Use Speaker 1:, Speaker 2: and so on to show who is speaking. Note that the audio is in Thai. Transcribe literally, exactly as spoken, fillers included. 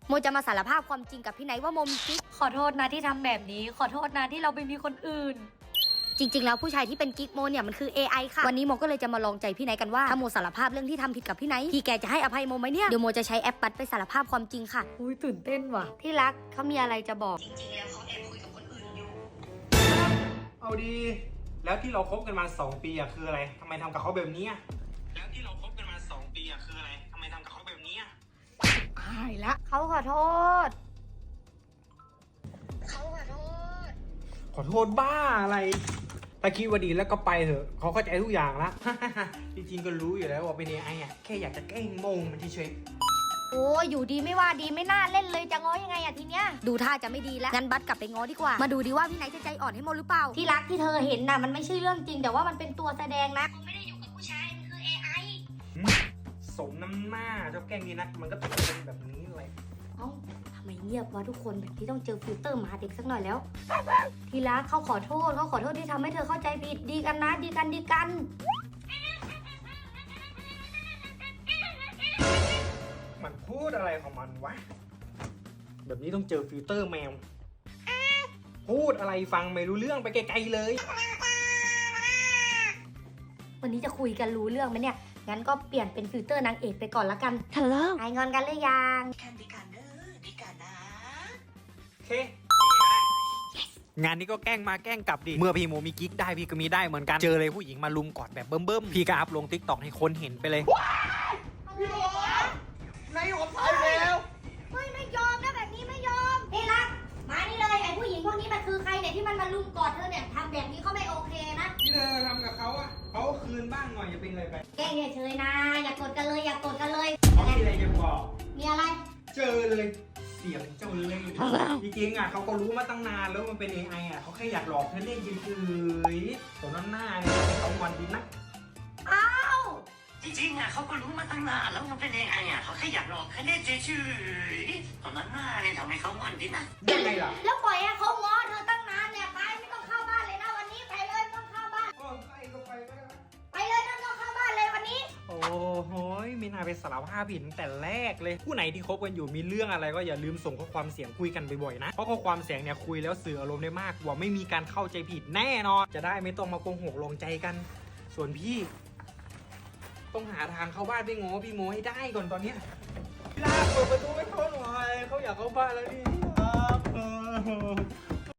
Speaker 1: โมจะมาสารภาพความจริงกับพี่ไนท์ว่าโมมีกิ๊กขอโทษนะที่ทำแบบนี้ขอโทษนะที่เราไปมีคนอื่นจริงๆแล้วผู้ชายที่เป็นกิ๊กโมเนี่ยมันคือ เอ ไอ ค่ะวันนี้โมก็เลยจะมาลองใจพี่ไนท์กันว่าถ้าโมสารภาพเรื่องที่ทำผิดกับพี่ไนท์พี่แกจะให้อภัยโมไหมเนี่ยเดี๋ยวโมจะใช้แอปปัดไปสารภาพความจริงค่ะอุ้ยตื่นเต้นว่ะที่รักเขามีอะไรจะบอกจริงๆแล้วเขาแอบคุยกับคนอื่นอยู่
Speaker 2: เอาดีแล้วที่เราคบกันมาสองปีอะคืออะไรทำไมทำกับเขาแบบนี้อะแล้วที่เราคบกันมาสองปีอะคืออะไรทำไมทำกับเขาแบบนี้อะ
Speaker 1: หายละเขาขอโทษเขาขอโทษ
Speaker 2: ขอโทษบ้าอะไรถ้าคิดว่าดีแล้วก็ไปเถอะเขาเข้าใจทุกอย่างละ จริงๆก็รู้อยู่แล้วว่าเป็นเอไออะแค่อยากจะแกล้งโมงมันเฉย
Speaker 1: โอ้อยู่ดีไม่ว่าดีไม่น่าเล่นเลยจะง้อยังไงอะทีเนี้ยดูท่าจะไม่ดีแล้วงั้นบัสกลับไปง้อดีกว่ามาดูดีว่าพี่ไนท์จะใจอ่อนให้โมหรือเปล่าที่รักที่เธอเห็นน่ะมันไม่ใช่เรื่องจริงแต่ว่ามันเป็นตัวแสดงนะผมไม่ได้อยู่กับผู้ชายมันคือ เอ ไอ
Speaker 2: สมน้ำหน้าเจ้าแกล้งดีนักมันก็ต้องเป็นแบบนี้เลย
Speaker 1: เอ้าทำไมเงียบวะทุกคนแบบที่ต้องเจอฟิลเตอร์หมาเด็กสักหน่อยแล้วที่รักเขาขอโทษเขาขอโทษที่ทำให้เธอเข้าใจผิดดีกันนะดีกันดีกัน
Speaker 2: มันพูดอะไรของมันวะแบบนี้ต้องเจอฟิลเตอร์แมวพูดอะไรฟังไม่รู้เรื่องไปไกลๆเลย
Speaker 1: วันนี้จะคุยกันรู้เรื่องไหมเนี่ยงั้นก็เปลี่ยนเป็นฟิลเตอร์นางเอกไปก่อนละกันฮัลโหลหายงอนกันหรือยัง
Speaker 3: กันดีกันเด้อดีกันนะ
Speaker 2: โอเคงานนี้ก็แกล้งมาแกล้งกลับดิเมื่อพี่โมมีกิ๊กได้พี่ก็มีได้เหมือนกันเจอเลยผู้หญิงมาลุมกอดแบบเบิ่มๆพี่ก็อัพลงทิกตอกให้คนเห็นไปเลย
Speaker 3: พี่โมนายผมตายแล้ว
Speaker 1: เฮ้ยไม่ยอมนะแบบนี้ไม่ยอมเฮ้ยรักมานี่เลยไอ้ผู้หญิงพวกนี้มันคือใครเนี่ยที่มันมาลุมกอดเธอเนี่ยทำแบบนี้เขาไม่โอเคนะ
Speaker 2: ที่เธอทำกับเขาอะเขาคืนบ้างหน่อยอย่าเป็นอะไรไป
Speaker 1: แกล้งเฉยๆนะอย่ากดกันเลยอย่ากดกันเลย
Speaker 2: เขามีอะไรจะบอก
Speaker 1: มีอะไร
Speaker 2: เจอเลยเสียงเจ้าเลยจริงๆอะเขาก็รู้มาตั้งนานแล้วมันเป็น เอ ไอ อะเขาแค่อยากหลอกเธอเล่นเฉยๆตัวนั้นหน้าเนี่ยเขางอนดีนัก
Speaker 1: อ้าว
Speaker 3: จริงๆอ่ะเขาก็รู้มาตั้งนานแล้วมันเป็นยังไงอ่ะเขาแค่อยากหลอกแค่เล่นเฉยๆตอนนั้นหน้าเนี่ยทำให้เขางอนดินะ
Speaker 2: ยังไงล่ะ
Speaker 1: แล้วปล่อยให้เขาง้อเธอตั้งนานเนี่ยไปไม่ต้องเข้าบ้านเลยนะวันนี้ไปเลยไม่ต้องเข้าบ้าน
Speaker 2: ไปก็ไปก็ได้
Speaker 1: ไปเลยไม่ต้องเข้าบ้านเลยวันนี้
Speaker 2: โอ้โหไม่น่าไปสารภาพผิดตั้งแต่แรกเลยผู้ไหนที่คบกันอยู่มีเรื่องอะไรก็อย่าลืมส่งข้อความเสียงคุยกันบ่อยๆนะเพราะข้อความเสียงเนี่ยคุยแล้วสื่ออารมณ์ได้มากกว่าไม่มีการเข้าใจผิดแน่นอนจะได้ไม่ต้องมาโกหกลงใจกันส่วนพี่ต้องหาทางเข้าบ้านพี่โง่พี่โมให้ได้ก่อนตอนนี้พี่ลาเปิดประตูให้เขาหน่อยเขาอยากเข้าบ้านแล้วนี่ครับ